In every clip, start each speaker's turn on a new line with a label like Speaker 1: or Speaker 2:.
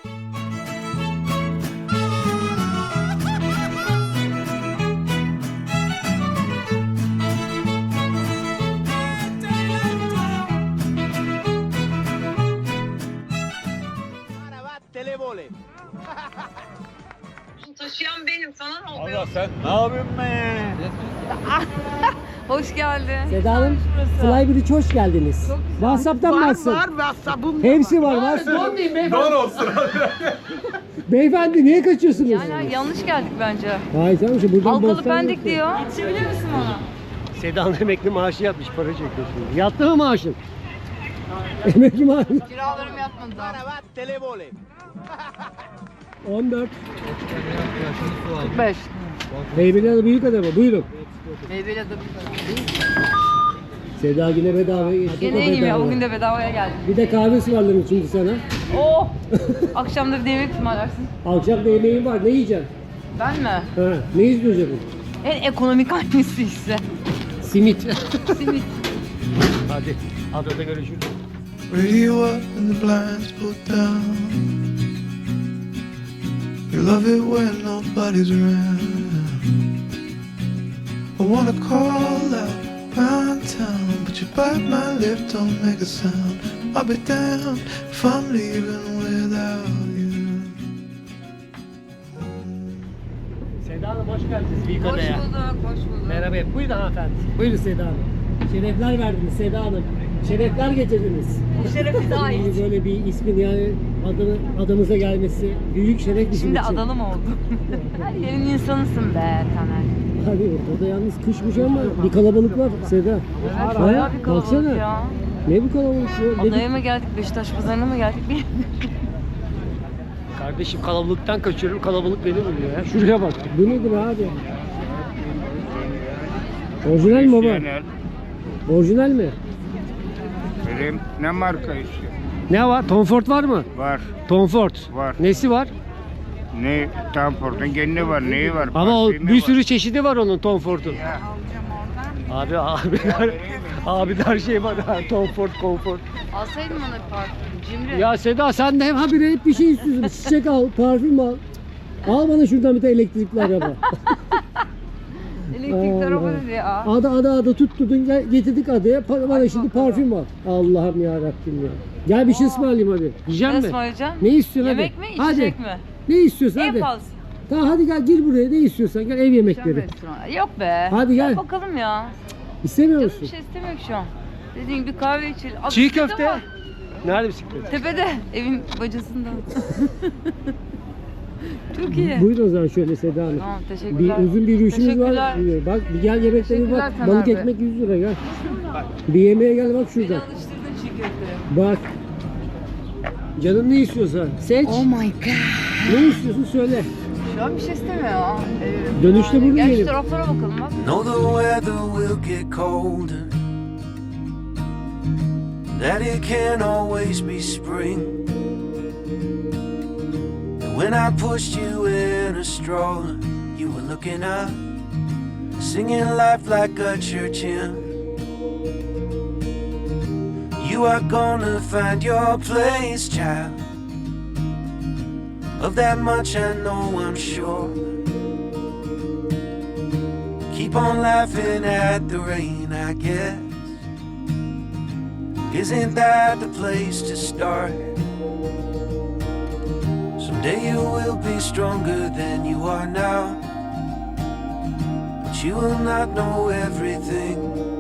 Speaker 1: Taşıyan benim, sana ne oluyor?
Speaker 2: Allah sen ne yapıyorsun be?
Speaker 1: Hoş geldin.
Speaker 3: Seda Hanım, Flybridge hoş geldiniz. WhatsApp'tan mı açsın?
Speaker 4: Var WhatsApp'ım.
Speaker 3: Hepsi var.
Speaker 2: Don olsun.
Speaker 3: Beyefendi niye kaçıyorsunuz?
Speaker 1: Yani yanlış geldik bence.
Speaker 3: Hayır canım, işte buradan
Speaker 1: Halkalı
Speaker 3: Bostan
Speaker 1: Pendik
Speaker 3: gitti.
Speaker 1: diyor. Yetişebilir misin bana?
Speaker 3: Seda Hanım emekli maaşı yatmış, para çekiyor şimdi. Yattı mı maaşın? Emekli maaşı.
Speaker 1: Kiralarım yatmadı daha.
Speaker 3: 14.
Speaker 1: 45.
Speaker 3: Heybeliada büyük adamı, buyurun.
Speaker 1: Meyveli adı.
Speaker 3: Seda yine bedavaya geçti.
Speaker 1: Gene iyiyim ya, bugün de bedavaya geldim.
Speaker 3: Bir de kahve ısmarlarım şimdi sana.
Speaker 1: Oh! Akşamda bir de yemek ısmarlarsın.
Speaker 3: Akşam da yemeğin var, ne yiyeceksin?
Speaker 1: Ben mi?
Speaker 3: Ha, ne istiyorsun?
Speaker 1: En ekonomik hangisi ise.
Speaker 3: Simit.
Speaker 1: Simit.
Speaker 3: Hadi, adada görüşürüz.
Speaker 5: Radio up and the blinds pulled down. You love it when nobody's around. I wanna call out round town, but you bite my lip, don't make a sound. I'll be damned if I'm leaving without you.
Speaker 3: Seda Hanım hoş geldiniz büyük
Speaker 1: Hoş
Speaker 3: adaya.
Speaker 1: bulduk, hoş bulduk.
Speaker 3: Merhaba, buyurun hanımefendi. Buyurun Seda Hanım. Şerefler verdiniz Seda Hanım. Şerefler getirdiniz.
Speaker 1: Bu şeref bize ait.
Speaker 3: Böyle bir ismin yani adamıza gelmesi büyük şeref bizim
Speaker 1: Şimdi
Speaker 3: için.
Speaker 1: adalı mı oldun? Her yerin insanısın be Taner.
Speaker 3: Abi ortada yalnız kışmış ama bir kalabalık var Seda.
Speaker 1: Evet,
Speaker 3: Ha,
Speaker 1: bayağı bir kalabalık
Speaker 3: baksana.
Speaker 1: ya.
Speaker 3: Ne bu kalabalık bu?
Speaker 1: Adaya mı geldik, Beşiktaş pazarına mı geldik?
Speaker 3: Kardeşim kalabalıktan kaçıyorum, kalabalık beni buluyor ya. Şuraya bak. Bu nedir abi? Orijinal mi baba? Orijinal mi?
Speaker 6: Benim ne marka istiyor?
Speaker 3: Ne var? Tom Ford var mı?
Speaker 6: Var.
Speaker 3: Tom Ford.
Speaker 6: Var.
Speaker 3: Nesi var?
Speaker 6: Ne tam portun kendi var, neyi var?
Speaker 3: Ama o
Speaker 6: parfümü
Speaker 3: bir
Speaker 6: var.
Speaker 3: sürü çeşidi var onun Tom Ford'un. Abi her şey var ha. Tom Ford, Comfort.
Speaker 1: Alsaydın bana bir parfüm. Cimri.
Speaker 3: Ya Seda sen de hep bir şey istiyorsun. Çiçek al, parfüm al. Al bana şuradan bir de elektrikli araba.
Speaker 1: Elektrikli araba dedi ya.
Speaker 3: Ada tutturdun getirdik adaya. Bana şimdi parfüm al. Allah'ım ya Rabbim ya. Gel bir şey ısmarlayayım hadi. Yiyecek
Speaker 1: Ne
Speaker 3: misin?
Speaker 1: ısmarlayacaksın?
Speaker 3: Ne istiyorsun
Speaker 1: Yemek
Speaker 3: hadi?
Speaker 1: mi,
Speaker 3: Hadi.
Speaker 1: içecek mi?
Speaker 3: Ne istiyorsun
Speaker 1: En
Speaker 3: hadi.
Speaker 1: pahalısı.
Speaker 3: Tamam hadi gel gir buraya ne istiyorsan gel ev yemekleri.
Speaker 1: Restoran. Yok be.
Speaker 3: Hadi gel.
Speaker 1: Bakalım ya.
Speaker 3: İstemiyor
Speaker 1: Canım
Speaker 3: musun?
Speaker 1: bir şey istemiyor ki şu an. Dediğin gibi kahve içelim. Aa,
Speaker 3: Çiğ
Speaker 1: bisiklet
Speaker 3: köfte.
Speaker 1: var.
Speaker 3: Nerede bisiklet?
Speaker 1: Tepede. Evin bacasında. Çok iyi.
Speaker 3: Buyurun o zaman şöyle Seda Hanım.
Speaker 1: Tamam,
Speaker 3: Bir
Speaker 1: teşekkürler.
Speaker 3: uzun bir yürüyüşümüz var.
Speaker 1: Teşekkürler.
Speaker 3: Bak bir gel yemeklere
Speaker 1: Teşekkürler
Speaker 3: bak.
Speaker 1: Taner
Speaker 3: Balık
Speaker 1: Bey.
Speaker 3: ekmek 100 lira gel. Bir yemeğe gel bak şuradan.
Speaker 1: Alıştırdın çiğ köfteye.
Speaker 3: Bak. Canın ne istiyorsa seç.
Speaker 1: Oh my god.
Speaker 3: Ne istiyorsun söyle.
Speaker 1: Şu an bir şey istemiyor ya.
Speaker 3: Dönüşte burada
Speaker 1: Gel şu
Speaker 3: yiyelim.
Speaker 1: taraflara bakalım bak.
Speaker 5: Know the weather will get colder, that it can't always be spring. And when I pushed you in a stroller, you were looking up, singing life like a church hymn. You are gonna find your place, child. Of that much I know, I'm sure. Keep on laughing at the rain, I guess. Isn't that the place to start? Someday you will be stronger than you are now, but you will not know everything.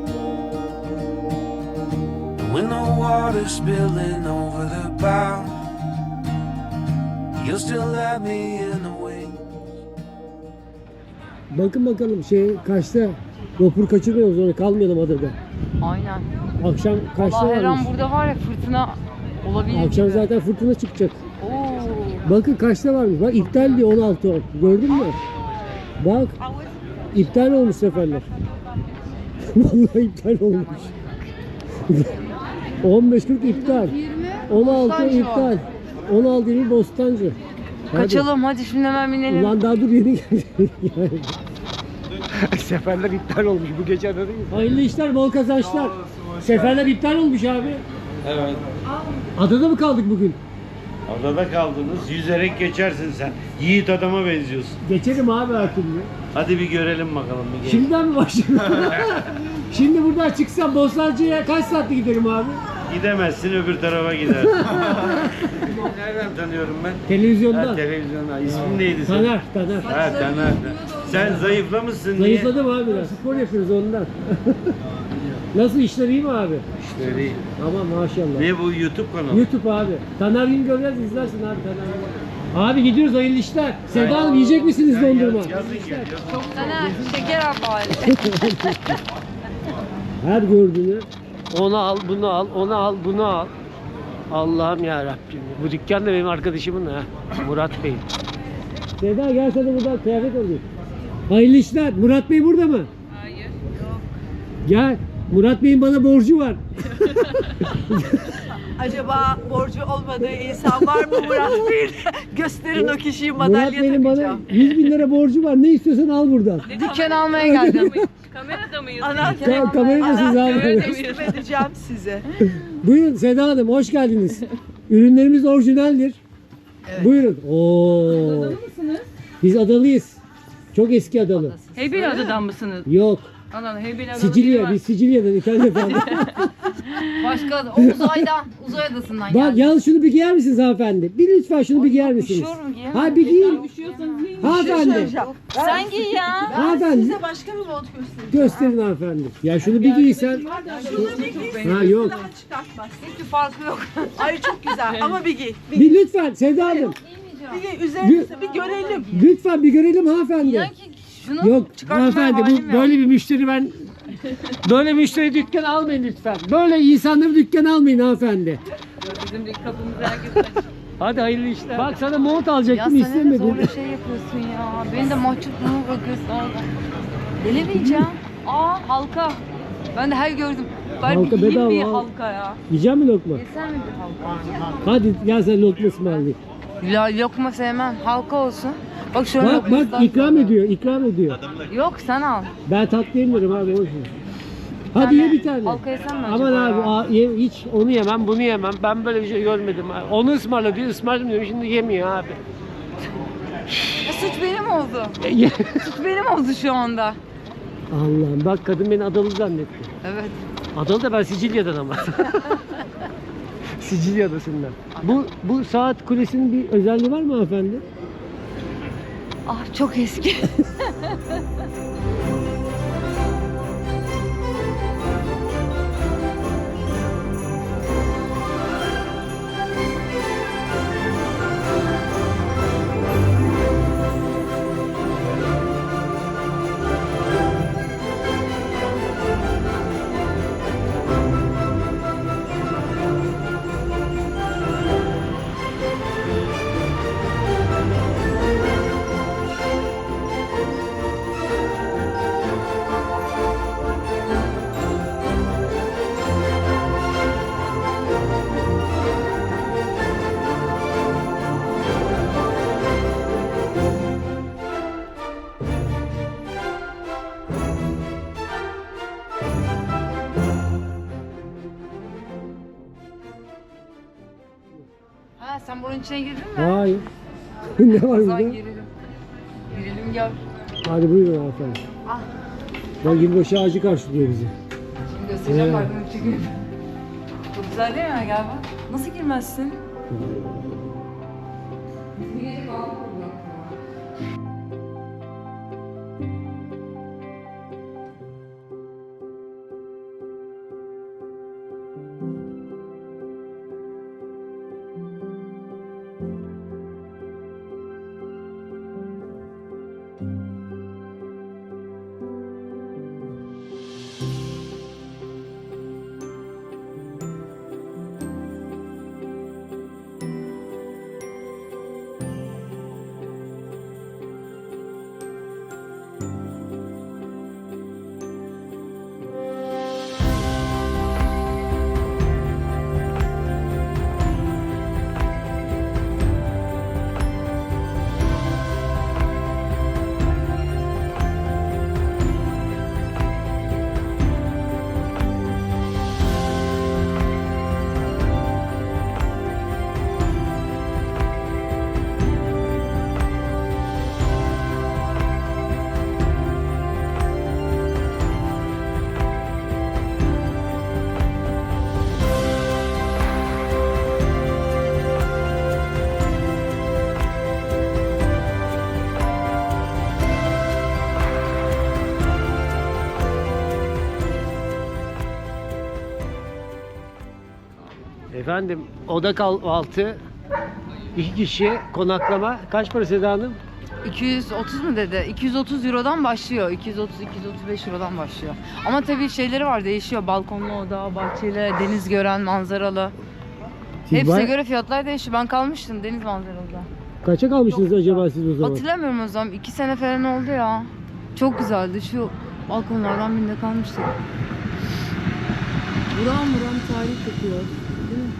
Speaker 5: And when the water's spilling over the bow, you'll still have me in the wings.
Speaker 3: Bakın bakalım kaçta vapur kaçırmıyoruz orada kalmayalım adada.
Speaker 1: Aynen.
Speaker 3: Akşam kaçta
Speaker 1: Allah her an
Speaker 3: varmış?
Speaker 1: burada var ya fırtına olabilir
Speaker 3: Akşam
Speaker 1: gibi.
Speaker 3: zaten fırtına çıkacak.
Speaker 1: Oo.
Speaker 3: Bakın kaçta varmış? Bak iptal diyor 16 10. Gördün mü? Bak. İptal olmuş seferler. Vallahi iptal olmuş. 15.40 iptal. 16
Speaker 1: Bostancı
Speaker 3: iptal. 16 20 Bostancı. Hadi.
Speaker 1: Kaçalım hadi şimdi hemen binelim.
Speaker 3: Ulan daha dur yeni geldi. Seferler iptal olmuş bu gece adada değil mi? Hayırlı işler, bol kazançlar. Seferler iptal olmuş abi. Evet. Adada mı kaldık bugün?
Speaker 4: Adada kaldınız. Yüzerek geçersin sen. Yiğit adama benziyorsun.
Speaker 3: Geçelim abi her türlü.
Speaker 4: Hadi bir görelim bakalım. Bir gel.
Speaker 3: Şimdiden mi başlayalım? Şimdi buradan çıksam Bostancı'ya kaç saatte giderim abi?
Speaker 4: Gidemezsin, öbür tarafa gidersin. Nereden tanıyorum ben?
Speaker 3: Televizyonda.
Speaker 4: Ha, televizyonda. İsmin neydi senin?
Speaker 3: Taner.
Speaker 4: Ha, Taner. Sen zayıflamışsın diye.
Speaker 3: Zayıfladım abi biraz. Spor yapıyoruz ondan. Nasıl işler iyi mi abi?
Speaker 4: İşte değil.
Speaker 3: Aman maşallah.
Speaker 4: Ne bu YouTube kanalı?
Speaker 3: YouTube abi. Taner Güngör'den izlersin abi Taner Güngör. Abi gidiyoruz hayırlı işler. Sevda Hanım yiyecek misiniz dondurma?
Speaker 4: Yazın geliyor.
Speaker 1: Sana şeker al bari.
Speaker 3: Her gördüğünü onu al, bunu al, onu al, bunu al. Allah'ım ya Rabbim. Bu dükkan da benim arkadaşımın ha. Murat Bey. Sevda gel sana buradan kıyafet alayım. Hayırlı işler. Murat Bey burada mı?
Speaker 1: Hayır. Yok.
Speaker 3: Gel. Murat Bey'in bana borcu var.
Speaker 7: Acaba borcu olmadığı insan var mı Murat Bey? Gösterin o kişiyi
Speaker 3: Murat
Speaker 7: madalya
Speaker 3: Bey'in bana
Speaker 7: takacağım.
Speaker 3: 100 bin lira borcu var. Ne istiyorsan al buradan.
Speaker 1: Dükkan almaya geldim.
Speaker 8: Kamerada mıyız?
Speaker 3: Kameradasınız abi.
Speaker 7: Teslim edeceğim size.
Speaker 3: Buyurun Seda Hanım hoş geldiniz. Ürünlerimiz orijinaldir. Buyurun. Oo.
Speaker 8: Adalı mısınız?
Speaker 3: Biz adalıyız. Çok eski adalı.
Speaker 8: Heybeli adadan mısınız?
Speaker 3: Yok.
Speaker 8: Anam Heybeli adalı biri
Speaker 3: Sicilya.
Speaker 8: var.
Speaker 3: Biz Sicilya'dan İtalya'dan.
Speaker 1: Başka o uzaydan, uzay adasından
Speaker 3: Bak
Speaker 1: geldim.
Speaker 3: yalnız şunu bir giyer misiniz hanımefendi? Bir lütfen şunu bir giyer misiniz?
Speaker 1: Üşüyorum, giyemem.
Speaker 3: Ha bir giyin.
Speaker 8: Üşüyorsanız yiyin.
Speaker 3: Hanımefendi.
Speaker 1: Sen giy ya.
Speaker 3: Hanımefendi.
Speaker 7: Size başka bir mont göstereyim.
Speaker 3: Gösterin hanımefendi. Ya şunu bir giysen. Ha yok.
Speaker 7: Daha çıkartmaz.
Speaker 1: Hiçbir farkı yok.
Speaker 7: Ay çok güzel ama bir giy.
Speaker 3: Bir lütfen Seda Hanım.
Speaker 7: Bir giy üzerinize bir görelim.
Speaker 3: Lütfen bir görelim hanımefendi.
Speaker 1: İnan ki şunu
Speaker 3: Yok
Speaker 1: çıkartmaya
Speaker 3: hanımefendi
Speaker 1: halim
Speaker 3: bu
Speaker 1: yok.
Speaker 3: böyle bir müşteri ben böyle müşteri dükkan almayın lütfen. Böyle insanları dükkan almayın hanımefendi.
Speaker 8: Bizim de kapımızı herkes açıyor.
Speaker 3: Hadi hayırlı işler. Bak sana mont
Speaker 1: Ya
Speaker 3: alacaktım
Speaker 1: sen ne
Speaker 3: istemedin.
Speaker 1: zorla şey yapıyorsun ya. Beni de mahcupluğuma bırakıyorsun orada. Delemeyeceğim. Aa halka. Ben de her gördüm. Ben
Speaker 3: Halka
Speaker 1: bir yiyeyim
Speaker 3: bedava
Speaker 1: bir
Speaker 3: al.
Speaker 1: halka ya.
Speaker 3: Yiyecek mi lokma?
Speaker 1: Yesen mi bir halka?
Speaker 3: Hadi gel sen lokma ısmarlayayım.
Speaker 1: Ya lokma sevmem. Halka olsun. Bak şöyle
Speaker 3: Bak
Speaker 1: lokmasından
Speaker 3: bak ikram
Speaker 1: sonra.
Speaker 3: ediyor ikram ediyor.
Speaker 1: Yok sen al.
Speaker 3: Ben tatlı yemiyorum abi boş ver. Hadi ye bir tane.
Speaker 1: Halka yesen mi
Speaker 3: Aman
Speaker 1: acaba
Speaker 3: abi
Speaker 1: ya?
Speaker 3: hiç onu yemem bunu yemem. Ben böyle bir şey görmedim. Onu ısmarla diyor ısmarladım diyor. Şimdi yemiyor abi.
Speaker 1: Ya suç benim oldu. Suç benim oldu şu anda.
Speaker 3: Allah'ım bak kadın beni adalı zannetti.
Speaker 1: Evet.
Speaker 3: Adalı da ben Sicilya'dan ama. Sicilya adasından. Bu saat kulesinin bir özelliği var mı hanımefendi?
Speaker 1: Ah çok eski. Ha sen bunun içine girdin mi?
Speaker 3: Hayır. Ne var
Speaker 1: O zaman
Speaker 3: burada?
Speaker 1: girelim. Girelim gel.
Speaker 3: Hadi buyurun hanımefendi.
Speaker 1: Ah.
Speaker 3: Bak yılbaşı ağacı karşılıyor bizi.
Speaker 1: Şimdi göstereceğim bak bunu çekeyim. Çok güzel değil mi? Gel bak. Nasıl girmezsin?
Speaker 3: Efendim oda kahvaltı 2 kişi konaklama kaç para Seda Hanım?
Speaker 1: 230 mu dedi? 230 Euro'dan başlıyor. 230-235 Euro'dan başlıyor. Ama tabii şeyleri var, değişiyor. Balkonlu oda, bahçeli, deniz gören, manzaralı.
Speaker 3: Siz
Speaker 1: Hepsine
Speaker 3: baya-
Speaker 1: göre fiyatlar değişiyor. Ben kalmıştım deniz manzaralıda.
Speaker 3: Kaça kalmışsınız acaba siz o zaman?
Speaker 1: Hatırlamıyorum o zaman. 2 sene falan oldu ya. Çok güzeldi. Şu balkonlardan birinde kalmıştık. Buram buram tarih kokuyor. Değil mi?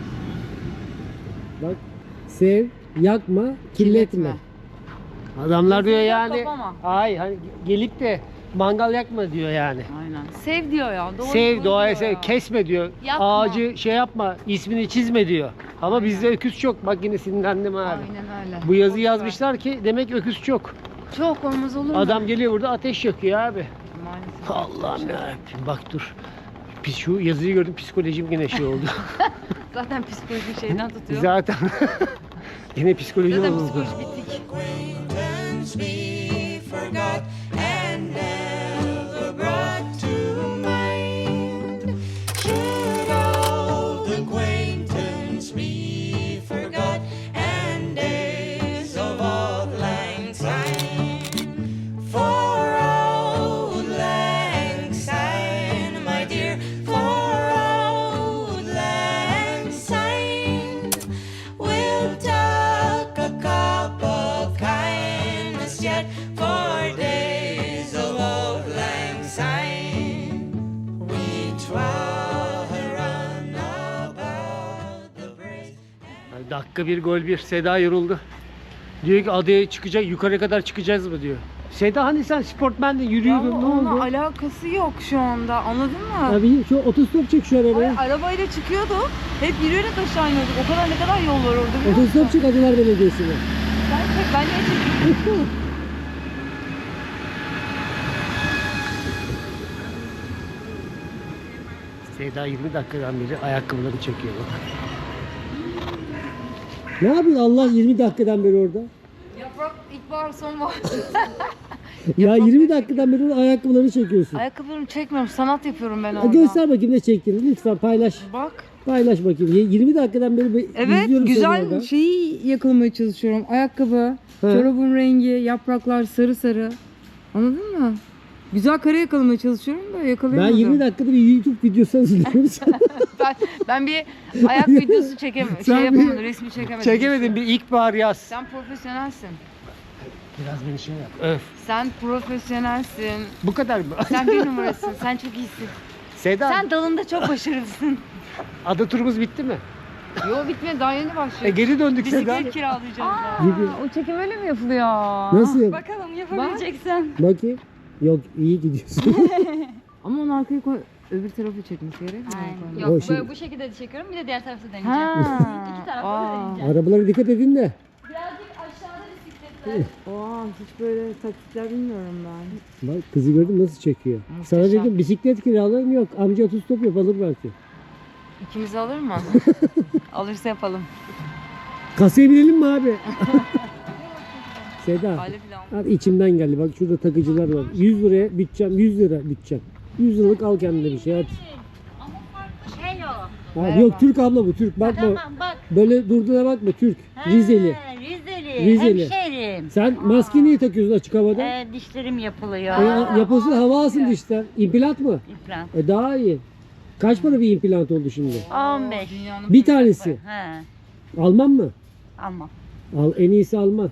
Speaker 3: Bak sev, yakma, kirletme. Adamlar diyor
Speaker 1: Yak,
Speaker 3: yani.
Speaker 1: kapama.
Speaker 3: Ay hani gelip de mangal yakma diyor yani.
Speaker 1: Aynen. Sev diyor ya.
Speaker 3: Sev doğaya
Speaker 1: diyor
Speaker 3: sev,
Speaker 1: ya.
Speaker 3: kesme diyor.
Speaker 1: Yapma.
Speaker 3: Ağacı şey yapma, ismini çizme diyor. Ama bizde öküz çok. Bak yine sinirlendim abi.
Speaker 1: Aynen öyle.
Speaker 3: Bu yazıyı
Speaker 1: Boş ver.
Speaker 3: yazmışlar ki demek öküz çok.
Speaker 1: Çok olmaz olur mu?
Speaker 3: Adam geliyor burada ateş yakıyor abi.
Speaker 1: Maalesef.
Speaker 3: Allah'ım yarabbim bak dur. Şu yazıyı gördüm psikolojim yine şey oldu.
Speaker 1: Zaten psikoloji şeyden tutuyor.
Speaker 3: Zaten yine psikolojim
Speaker 1: Zaten
Speaker 3: oldu.
Speaker 1: psikoloji bittik.
Speaker 5: Acquaintance we forgot and never brought to mind. Should old acquaintance be forgot and days of old lang syne? For old lang syne, my dear, for old lang syne, we'll talk a cup of kindness yet for days of old lang syne. We run about the braes.
Speaker 3: Dakika bir gol bir. Seda yoruldu. Diyor ki adaya çıkacak, yukarı kadar çıkacağız mı diyor. Seda hani sen sportmendin, yürüyordun,
Speaker 1: Ama
Speaker 3: ne
Speaker 1: onunla
Speaker 3: oldu?
Speaker 1: alakası yok şu anda. Anladın mı?
Speaker 3: Abi şu otostop çek şu arabaya.
Speaker 1: Ay, arabayla çıkıyorduk. Hep yürüyerek aşağı iniyorduk. O kadar ne kadar yol var orada biliyor musun?
Speaker 3: Otostop çek Adalar Belediyesi'ne.
Speaker 1: Sen çek, ben niye çekeyim?
Speaker 3: Seda 20 dakikadan beri ayakkabıları çekiyor. Ne yapıyorsun Allah 20 dakikadan beri orada?
Speaker 1: Yaprak ilkbahar sonbahar.
Speaker 3: Ya 20 dakikadan beri orada ayakkabılarını çekiyorsun.
Speaker 1: Ayakkabılarımı çekmiyorum. Sanat yapıyorum ben
Speaker 3: Ha,
Speaker 1: orada.
Speaker 3: göster bakayım ne çektiğini lütfen paylaş.
Speaker 1: Bak.
Speaker 3: Paylaş bakayım. 20 dakikadan beri
Speaker 1: Evet,
Speaker 3: izliyorum seni
Speaker 1: güzel
Speaker 3: orada.
Speaker 1: şeyi yakalamaya çalışıyorum. Ayakkabı,
Speaker 3: He.
Speaker 1: çorabın rengi, yapraklar sarı sarı. Anladın mı? Güzel kare yakalamaya çalışıyorum da
Speaker 3: Ben
Speaker 1: yakalayamadım.
Speaker 3: 20 dakikada bir YouTube videosu hazırlıyorum.
Speaker 1: ben bir ayak videosu çekemedim.
Speaker 3: Sen
Speaker 1: Şey
Speaker 3: bir-
Speaker 1: yapamadım, resmi çekemedim.
Speaker 3: Çekemedim bir ilkbahar yaz.
Speaker 1: Sen profesyonelsin.
Speaker 3: Biraz beni şey yap. Öf.
Speaker 1: Sen profesyonelsin.
Speaker 3: Bu kadar mı?
Speaker 1: Sen bir numarasın. Sen çok iyisin.
Speaker 3: Seda
Speaker 1: Sen dalında çok başarılısın.
Speaker 3: ada turumuz bitti mi?
Speaker 1: Yo bitmedi, daha yeni başlıyor.
Speaker 3: Geri döndük Seda.
Speaker 1: Bisiklet kiralayacağız daha.
Speaker 3: Gibi.
Speaker 1: O çekim öyle mi yapılıyor?
Speaker 3: Nasıl yap?
Speaker 8: Bakalım yapabileceksen.
Speaker 3: Bakayım. Yok iyi gidiyorsun.
Speaker 1: Ama onu arkaya koy. Öbür tarafı çekmiş gerek mi?
Speaker 8: Aynen.
Speaker 3: O
Speaker 8: Yok
Speaker 3: şey-
Speaker 8: böyle bu şekilde de çekiyorum bir de diğer tarafta deneyeceğim.
Speaker 1: Ha.
Speaker 8: İki tarafta da deneyeceğim.
Speaker 3: Arabalara dikkat edin de.
Speaker 8: Birazcık aşağıda bisikletler.
Speaker 1: Aa, hiç böyle taktikler bilmiyorum ben.
Speaker 3: Bak kızı gördüm nasıl çekiyor. Sana
Speaker 1: Muhteşem.
Speaker 3: dedim bisiklet kiralayayım yok. Amca otostop yap alır belki.
Speaker 1: İkimizi alır mı? Alırsa yapalım.
Speaker 3: Kasaya binelim mi abi? Seda.
Speaker 1: Aile plan.
Speaker 3: Abi içimden geldi. Bak şurada takıcılar var. 100 liraya bütçem. 100 lira bütçem. 100 liralık al kendine bir şey hadi.
Speaker 9: Ama farklı şey o.
Speaker 3: Abi yok Türk abla bu Türk. Bakma.
Speaker 9: Tamam bak.
Speaker 3: Böyle durduğuna bakma Türk. Rizeli.
Speaker 9: Ha, Rizeli.
Speaker 3: Rizeli.
Speaker 9: Hemşerim.
Speaker 3: Sen maske niye takıyorsun açık havada?
Speaker 9: Dişlerim yapılıyor.
Speaker 3: Yapılsın hava alsın dişten. İmplant mı?
Speaker 9: İmplant.
Speaker 3: Daha iyi. Kaç para bir implant oldu şimdi?
Speaker 9: 15.
Speaker 3: Bir tanesi.
Speaker 9: Ha,
Speaker 3: Alman mı?
Speaker 9: almam.
Speaker 3: Al en iyisi Alman.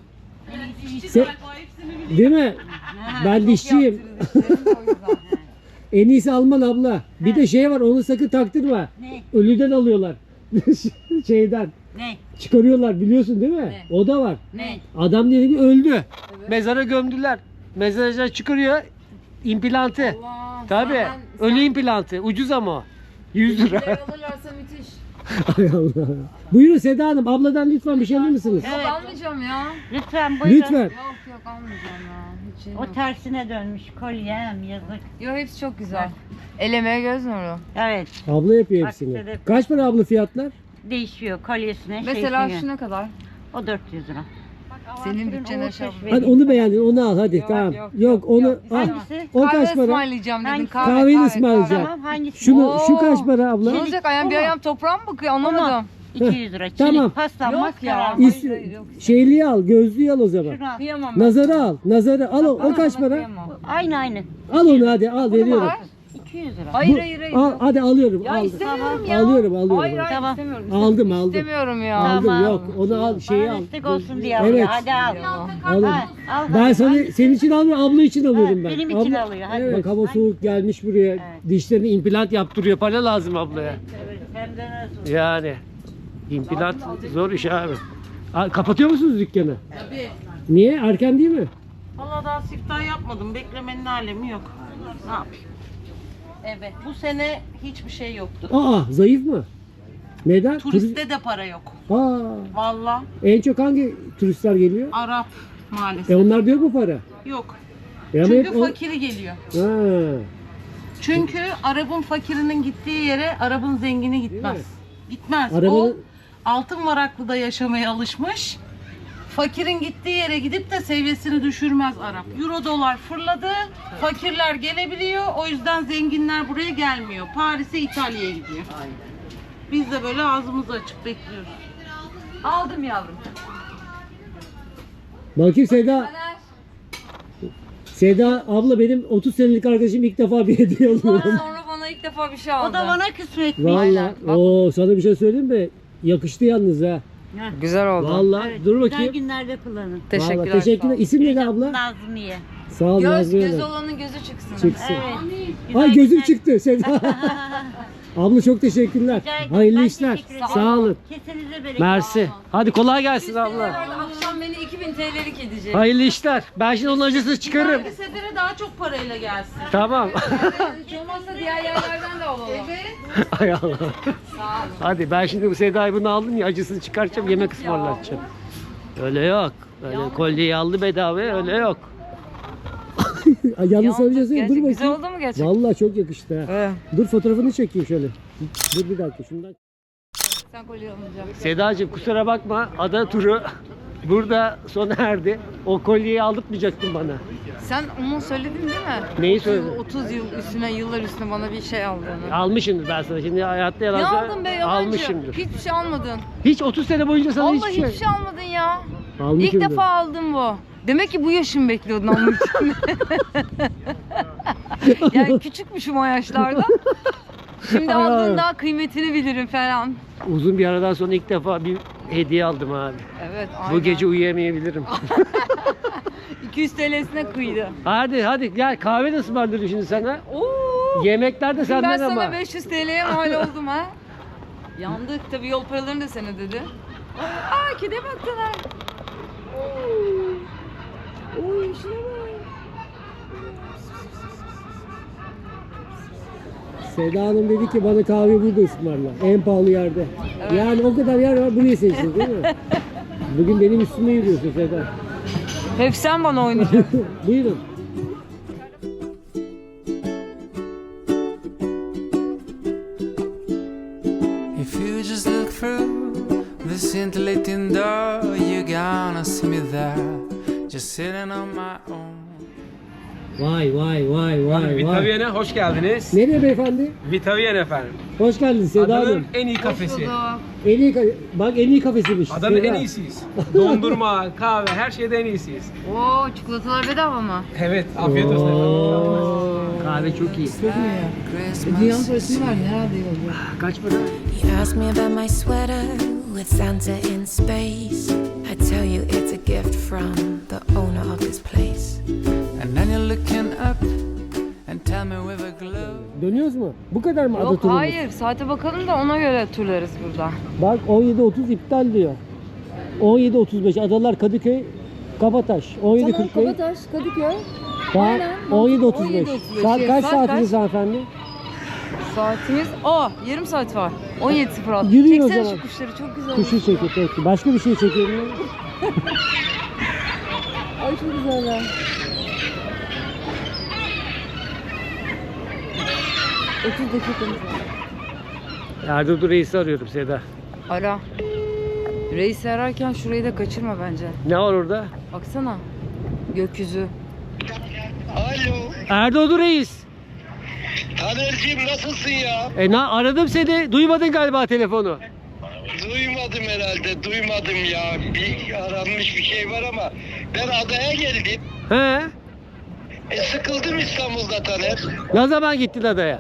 Speaker 3: Değil mi? Ben dişçiyim. En iyisi Alman abla. Bir de şey var onu sakın taktırma.
Speaker 9: Ne?
Speaker 3: Ölüden alıyorlar. Şeyden.
Speaker 9: Ne?
Speaker 3: Çıkarıyorlar biliyorsun değil mi? O da var.
Speaker 9: Ne?
Speaker 3: Adam dedi ki öldü. Mezara gömdüler. Mezarcılar çıkarıyor implantı.
Speaker 1: Allah,
Speaker 3: Tabii. Ölü implantı. Ucuz ama o. 100 lira.
Speaker 1: alırlarsa müthiş.
Speaker 3: Hay Allah. Buyurun Seda Hanım. Abladan lütfen bir şey alır mısınız?
Speaker 1: Yok almayacağım ya.
Speaker 9: Lütfen buyurun.
Speaker 3: Lütfen.
Speaker 1: Yok almayacağım ya. Hiç şey yok.
Speaker 9: O tersine dönmüş kolyem yazık.
Speaker 1: Yok hepsi çok güzel. El emeği göz nuru.
Speaker 9: Evet.
Speaker 3: Abla yapıyor
Speaker 9: Bak,
Speaker 3: hepsini.
Speaker 9: şöyle-
Speaker 3: Kaç para abla fiyatlar?
Speaker 9: Değişiyor kolyesine.
Speaker 1: Mesela
Speaker 9: şeysine.
Speaker 1: şu ne kadar?
Speaker 9: O 400 lira.
Speaker 1: Senin bütçene şey yapma.
Speaker 3: Hadi onu beğendin, onu al hadi. Tamam. Yok, onu al.
Speaker 9: Hangisi?
Speaker 3: O
Speaker 1: Kahve
Speaker 3: kaç para?
Speaker 1: ısmarlayacağım dedin.
Speaker 9: Hangisi?
Speaker 1: Kahve,
Speaker 3: Kahveni
Speaker 1: kahve,
Speaker 3: ısmarlayacağım.
Speaker 9: Tamam hangisi?
Speaker 3: Şunu, şu
Speaker 1: Oo.
Speaker 3: kaç para abla?
Speaker 1: Ne olacak ayağım bir ayağım toprağa mı bakıyor anlamadım.
Speaker 9: 200 lira. Çelik
Speaker 3: Tamam.
Speaker 9: pasta
Speaker 1: Yok
Speaker 9: maskara.
Speaker 1: ya.
Speaker 3: Şeyliği al, gözlüğü al o zaman.
Speaker 9: Şunu al.
Speaker 1: Kıyamam ben.
Speaker 3: Nazarı al, nazarı al. O kaç
Speaker 1: Sana
Speaker 3: para?
Speaker 1: kıyamam.
Speaker 9: Aynı.
Speaker 3: Al onu hadi, al veriyorum.
Speaker 1: Var.
Speaker 9: 200 lira.
Speaker 1: Hayır hayır hayır.
Speaker 3: Al, hadi alıyorum.
Speaker 1: Ya
Speaker 3: aldım.
Speaker 1: istemiyorum ya.
Speaker 3: Alıyorum.
Speaker 1: Hayır hayır
Speaker 9: Tamam.
Speaker 1: istemiyorum.
Speaker 3: Aldım.
Speaker 1: İstemiyorum ya.
Speaker 3: Aldım
Speaker 9: Tamam.
Speaker 3: yok. Onu al, şeyi al.
Speaker 9: Bana destek olsun diye
Speaker 3: Evet.
Speaker 9: alıyor. Hadi al.
Speaker 3: Alın.
Speaker 9: Al.
Speaker 3: Ben senin için almıyorum, abla için alıyorum
Speaker 9: Evet,
Speaker 3: ben.
Speaker 9: benim için alıyor, hadi.
Speaker 3: Evet. Bak hava soğuk gelmiş buraya. Dişlerini implant yaptırıyor. Para lazım ablaya.
Speaker 9: Evet, hem de nasıl?
Speaker 3: Yani implant zor iş abi. Kapatıyor musunuz dükkanı?
Speaker 7: Tabii.
Speaker 3: Niye? Erken değil mi?
Speaker 7: Valla daha siftah yapmadım. Beklemenin alemi yok. Ne yapayım? Evet. Bu sene hiçbir şey yoktu.
Speaker 3: Aa, zayıf mı? Neden?
Speaker 7: Turiste de para yok.
Speaker 3: Aa,
Speaker 7: Valla
Speaker 3: en çok hangi turistler geliyor?
Speaker 7: Arap maalesef.
Speaker 3: Onlar diyor mu para?
Speaker 7: Yok.
Speaker 3: Ama
Speaker 7: Çünkü
Speaker 3: hep o-
Speaker 7: fakiri geliyor.
Speaker 3: Ha.
Speaker 7: Çünkü Arap'ın fakirinin gittiği yere Arap'ın zengini gitmez. Gitmez. O
Speaker 3: Arabanın-
Speaker 7: altın varaklıda yaşamaya alışmış. Fakirin gittiği yere gidip de seviyesini düşürmez Arap. Euro dolar fırladı. Fakirler gelebiliyor. O yüzden zenginler buraya gelmiyor. Paris'e, İtalya'ya gidiyor. Biz de böyle ağzımızı açık bekliyoruz.
Speaker 1: Aldım yavrum.
Speaker 3: Bakayım Seda. Seda abla benim 30 senelik arkadaşım ilk defa bir hediye alıyorum.
Speaker 1: Sonra bana ilk defa bir şey aldı.
Speaker 9: O da bana kısmetmiş.
Speaker 3: Valla.
Speaker 1: bak.
Speaker 3: Oo, sana bir şey söyleyeyim mi? Yakıştı yalnız ha.
Speaker 1: Güzel oldu.
Speaker 3: Valla.
Speaker 9: Evet,
Speaker 3: Dur
Speaker 9: güzel
Speaker 3: bakayım.
Speaker 9: günlerde kullanın.
Speaker 1: Teşekkürler.
Speaker 3: Vallahi teşekkürler. İsim neydi abla?
Speaker 9: Nazmiye.
Speaker 3: Sağ ol
Speaker 1: Göz,
Speaker 3: Nazmiye
Speaker 1: göz
Speaker 3: Hanım.
Speaker 1: olanın gözü çıksın.
Speaker 3: Çıksın.
Speaker 9: Evet.
Speaker 3: Ay gözüm
Speaker 9: güzel-
Speaker 3: çıktı Seda. Abla çok teşekkürler.
Speaker 9: Rica ederim.
Speaker 3: Hayırlı
Speaker 9: Ben
Speaker 3: işler.
Speaker 9: teşekkür ederim.
Speaker 3: Sağ olun.
Speaker 9: Kesinize bereket.
Speaker 3: Mersi. Hadi kolay gelsin abla.
Speaker 1: Akşam beni 2000 TL'lik edecek.
Speaker 3: Hayırlı işler. Ben şimdi onun acısını çıkarırım.
Speaker 7: Bir sefere daha çok parayla gelsin.
Speaker 3: Tamam.
Speaker 1: Hiç olmazsa diğer yerlerden de alalım.
Speaker 3: Hay Allah. Hadi ben şimdi bu Seda'yı bunu aldım ya acısını çıkartacağım yemek ısmarlatacağım. Öyle yok. Öyle kolyeyi aldı bedava öyle yok. Yalnız sana bir şey söyleyeyim. Dur
Speaker 1: Gerçek güzel
Speaker 3: bakayım.
Speaker 1: oldu mu gerçekten?
Speaker 3: Vallahi çok yakıştı ha.
Speaker 1: Evet.
Speaker 3: Dur fotoğrafını çekeyim şöyle. Dur bir dakika şundan.
Speaker 1: Sen kolye alınacak.
Speaker 3: Sedacığım kusura bakma ada turu burada sona erdi. O kolyeyi aldırtmayacaktın bana.
Speaker 1: Sen onu söyledin değil mi?
Speaker 3: Neyi söyledin?
Speaker 1: 30 yıl üstüne, yıllar üstüne bana bir şey aldığını.
Speaker 3: Almışımdır ben sana. Şimdi hayatta yalan
Speaker 1: Ne
Speaker 3: söyle-
Speaker 1: aldın be yalancı?
Speaker 3: Almışımdır.
Speaker 1: Hiçbir şey almadın.
Speaker 3: Hiç 30 sene boyunca sana
Speaker 1: Vallahi
Speaker 3: hiçbir şey.
Speaker 1: almadın ya.
Speaker 3: Almışımdır.
Speaker 1: İlk defa aldım bu. Demek ki bu yaşımı bekliyordun almak için. Yani küçükmüşüm o yaşlarda. Şimdi
Speaker 3: Ay,
Speaker 1: aldığın
Speaker 3: ay.
Speaker 1: daha kıymetini bilirim falan.
Speaker 3: Uzun bir aradan sonra ilk defa bir hediye aldım abi.
Speaker 1: Evet aynen.
Speaker 3: Bu gece uyuyamayabilirim.
Speaker 1: 200 TL'sine kıydı.
Speaker 3: hadi gel kahve de ısmarladım şimdi sana.
Speaker 1: Oo.
Speaker 3: Yemekler de
Speaker 1: Ben
Speaker 3: senden
Speaker 1: sana
Speaker 3: ama.
Speaker 1: 500 TL'ye mal oldum ha. Yandık tabii yol paralarını da sen ödedi. Aa kedi baktılar. Oy şuna bak.
Speaker 3: Seda Hanım dedi ki bana kahve burada ısmarla. En pahalı yerde. Yani o kadar yer var burayı seçtin değil mi? Bugün benim üstüme yürüyorsun Seda.
Speaker 1: Hep sen bana oynayacaksın.
Speaker 3: Buyurun.
Speaker 5: If you just look through the scintillating door, you're gonna see me there, just sitting on my own.
Speaker 3: Vay.
Speaker 2: Vitaviyen'e hoş geldiniz.
Speaker 3: Nereye beyefendi?
Speaker 2: Vitaviyen efendim.
Speaker 3: Hoş geldiniz Seda
Speaker 2: Adanın
Speaker 3: Hanım.
Speaker 2: en iyi kafesi.
Speaker 3: En iyi bak en iyi kafesiymiş.
Speaker 2: Adanın
Speaker 3: Seda.
Speaker 2: en iyisiyiz. Dondurma, kahve, her şeyde en iyisiyiz.
Speaker 1: Oo çikolatalar bedava mı?
Speaker 2: Evet, afiyet olsun efendim.
Speaker 3: Oo, kahve çok iyi.
Speaker 1: Dünyanın parasını verdin herhalde iyi olacak.
Speaker 3: Kaç para?
Speaker 10: You ask me about my sweater with Santa in space. I tell you it's a gift from the owner of this place.
Speaker 5: And then you're looking up and tell me with a glow.
Speaker 3: Dönüyoruz mu? Bu kadar mı ada
Speaker 1: Yok
Speaker 3: turumuz?
Speaker 1: hayır saate bakalım da ona göre turlarız burada.
Speaker 3: Bak 17.30 iptal diyor. 17.35 Adalar Kadıköy Kabataş. 17.45.
Speaker 1: Kabataş, Kadıköy.
Speaker 3: Saat
Speaker 1: Aynen.
Speaker 3: 17.35.
Speaker 1: 17.35.
Speaker 3: Saat kaç
Speaker 1: Saat
Speaker 3: saatiniz
Speaker 1: kaç?
Speaker 3: hanımefendi?
Speaker 1: Saatimiz yarım saat var. 17.06.
Speaker 3: Yürüyün o
Speaker 1: Çeksene
Speaker 3: zaman.
Speaker 1: şu kuşları çok güzel.
Speaker 3: Kuşu çekiyor peki. Başka bir şey çekelim mi?
Speaker 1: Ay çok güzeller. ...30 dakikamız var.
Speaker 3: Erdoğdu Reis'i arıyorum Seda.
Speaker 1: Ara. Reis'i ararken şurayı da kaçırma bence.
Speaker 3: Ne var orada?
Speaker 1: Baksana. Gökyüzü.
Speaker 11: Alo.
Speaker 3: Erdoğdu Reis.
Speaker 11: Taner'cim nasılsın ya?
Speaker 3: Aradım seni. Duymadın galiba telefonu.
Speaker 11: Duymadım herhalde, duymadım ya. Bir aranmış bir şey var ama ben adaya geldim.
Speaker 3: He?
Speaker 11: Sıkıldım İstanbul'da Taner.
Speaker 3: Ne zaman gittin adaya?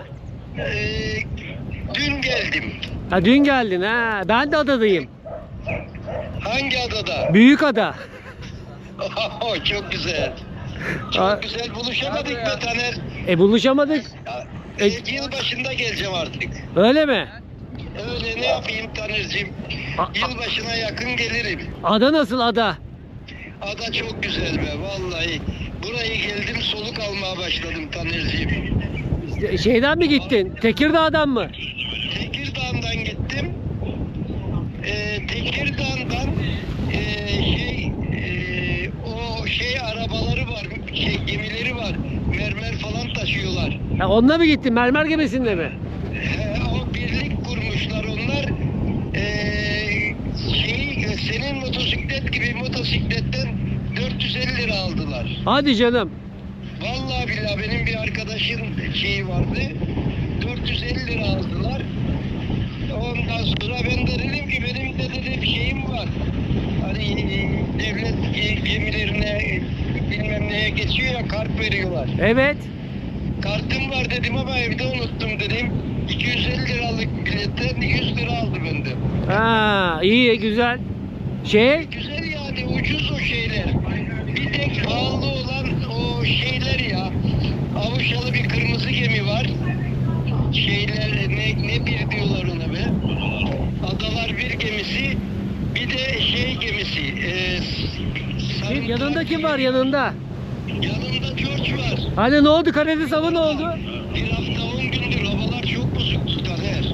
Speaker 11: Dün geldim.
Speaker 3: Ha dün geldin ha. Ben de adadayım.
Speaker 11: Hangi adada?
Speaker 3: Büyük ada.
Speaker 11: Çok güzel.
Speaker 3: Aa.
Speaker 11: Çok güzel buluşamadık be Taner.
Speaker 3: Buluşamadık.
Speaker 11: Yıl başında geleceğim artık.
Speaker 3: Öyle mi?
Speaker 11: Öyle ne yapayım Taner'cim? Yılbaşına yakın gelirim.
Speaker 3: Ada nasıl ada?
Speaker 11: Ada çok güzel be vallahi. Burayı geldim soluk almaya başladım Taner'cim.
Speaker 3: Şeyden mi gittin? Tekirdağ'dan mı?
Speaker 11: Tekirdağ'dan gittim. Tekirdağ'dan o arabaları var, gemileri var. Mermer falan taşıyorlar.
Speaker 3: Ha, onunla mı gittin? Mermer gemisinde mi?
Speaker 11: O birlik kurmuşlar onlar. Senin motosiklet gibi motosikletten 450 lira aldılar.
Speaker 3: Hadi canım.
Speaker 11: Vallahi billahi benim bir arkadaşın şeyi vardı. 450 lira aldılar. Ondan sonra ben de dedim ki benim de bir şeyim var. Hani devlet gemilerine bilmem neye geçiyor ya kart veriyorlar.
Speaker 3: Evet.
Speaker 11: Kartım var dedim ama evde unuttum dedim. 250 liralık biletten 100 lira aldı benden.
Speaker 3: Ha, iyi güzel.
Speaker 11: Güzel yani ucuz o şeyler. Bir tek pahalı olan o şeyler ya. Avuşalı bir kırmızı gemi var. Ne bir diyorlar ona be. Adalar bir gemisi. Bir de gemisi.
Speaker 3: Yanında kim var yanında?
Speaker 11: Yanımda George var.
Speaker 3: Hani ne oldu? Karadeniz hava ne oldu?
Speaker 11: Bir hafta 10 gündür havalar çok bozuktu Taner.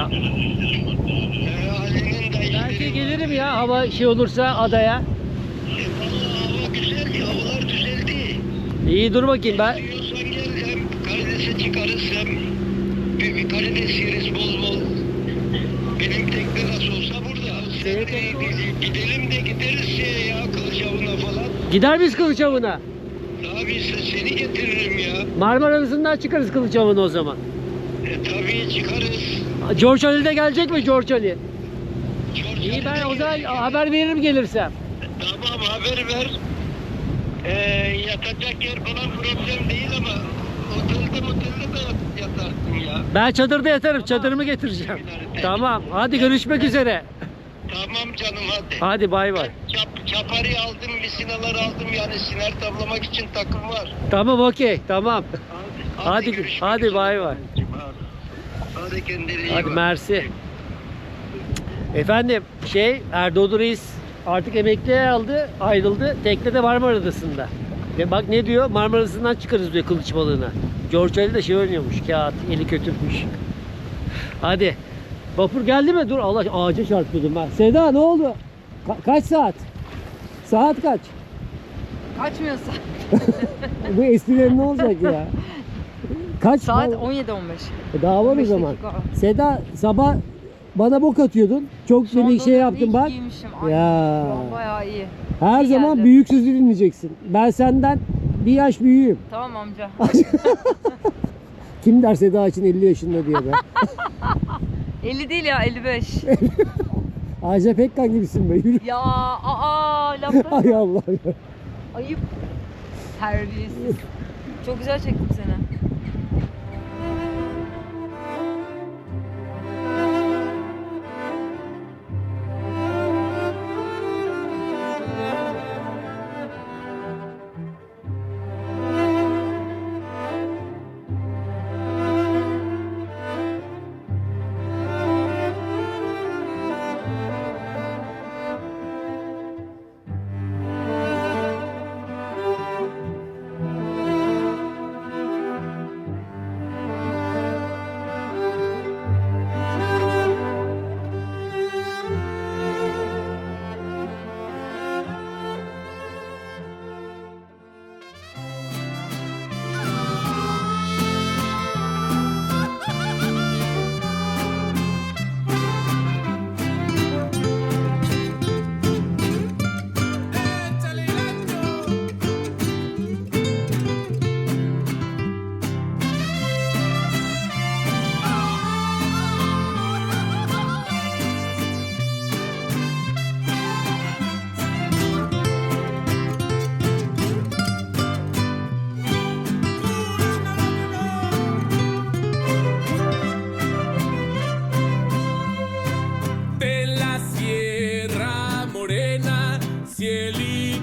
Speaker 11: Ali'nin de
Speaker 3: Belki gelirim ya hava olursa adaya.
Speaker 11: Vallahi hava güzel, havalar düzeldi.
Speaker 3: İyi dur bakayım ben.
Speaker 11: Diyorsan gel hem karidese çıkarız hem bir karides yeriz bol bol. Benim tekne nasıl olsa burada. Gidelim de gideriz ya Kılıçavun'a falan.
Speaker 3: Gider miyiz Kılıçavun'a?
Speaker 11: Abi seni getiririm ya.
Speaker 3: Marmara Adası'ndan çıkarız Kılıçavun'a o zaman.
Speaker 11: Tabii çıkarız.
Speaker 3: George Ali de gelecek mi George Ali?
Speaker 11: George
Speaker 3: İyi ben
Speaker 11: Ali de
Speaker 3: o zaman
Speaker 11: gelecek.
Speaker 3: haber veririm gelirsem.
Speaker 11: Tamam haber ver. Yatacak yer falan problem değil ama otelde de yatarsın ya.
Speaker 3: Ben çadırda yatarım. Çadırımı getireceğim. Tamam. Hadi görüşmek üzere.
Speaker 11: Tamam canım hadi.
Speaker 3: Hadi bay bay.
Speaker 11: Çapari aldım, misinalar aldım yani siner tavlamak için takım var.
Speaker 3: Tamam okey. Tamam. Hadi
Speaker 11: görüşmek
Speaker 3: hadi
Speaker 11: üzere.
Speaker 3: bay bay.
Speaker 11: Hadi kendine iyi
Speaker 3: Hadi
Speaker 11: bak.
Speaker 3: mersi. Efendim Erdoğdu Reis artık emekliye aldı, ayrıldı. Teknede Marmara Adası'nda. Ve bak ne diyor? Marmara Adası'ndan çıkarız diyor kılıç balığına. George Ali de oynuyormuş. Kağıt, eli kötürmüş. Hadi. Vapur geldi mi? Dur Allah ağaca çarpıyordum ben. Seda ne oldu? Kaç saat? Saat kaç?
Speaker 1: Kaçmıyorsa.
Speaker 3: Bu esprilerin ne olacak ya? Kaç?
Speaker 1: Saat
Speaker 3: Daha-
Speaker 1: 17:15.
Speaker 3: Daha var o
Speaker 1: 15
Speaker 3: zaman.
Speaker 1: dakika.
Speaker 3: Seda sabah bana bok atıyordun. Çok
Speaker 1: Son
Speaker 3: seni şey
Speaker 1: dönemde
Speaker 3: yaptım
Speaker 1: iyi
Speaker 3: bak.
Speaker 1: giymişim. Ay,
Speaker 3: Ya.
Speaker 1: şu an bayağı iyi.
Speaker 3: Her
Speaker 1: İyi
Speaker 3: zaman
Speaker 1: geldi.
Speaker 3: büyük sözü dinleyeceksin. Ben senden bir yaş büyüğüm.
Speaker 1: Tamam amca.
Speaker 3: Kim der Seda için 50 yaşında diye be.
Speaker 1: 50 değil ya 55.
Speaker 3: Ajda Pekkan gibisin be. Yürü.
Speaker 1: Ya laflar.
Speaker 3: Ay Allah ya.
Speaker 1: Ayıp. Terbiyesiz. Çok güzel çektim seni.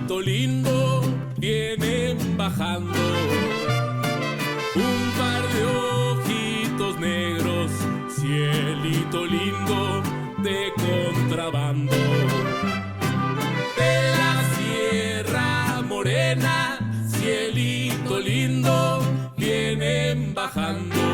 Speaker 12: cielito lindo vienen bajando. Un par de ojitos negros, cielito lindo de contrabando. De la Sierra Morena, cielito lindo vienen bajando.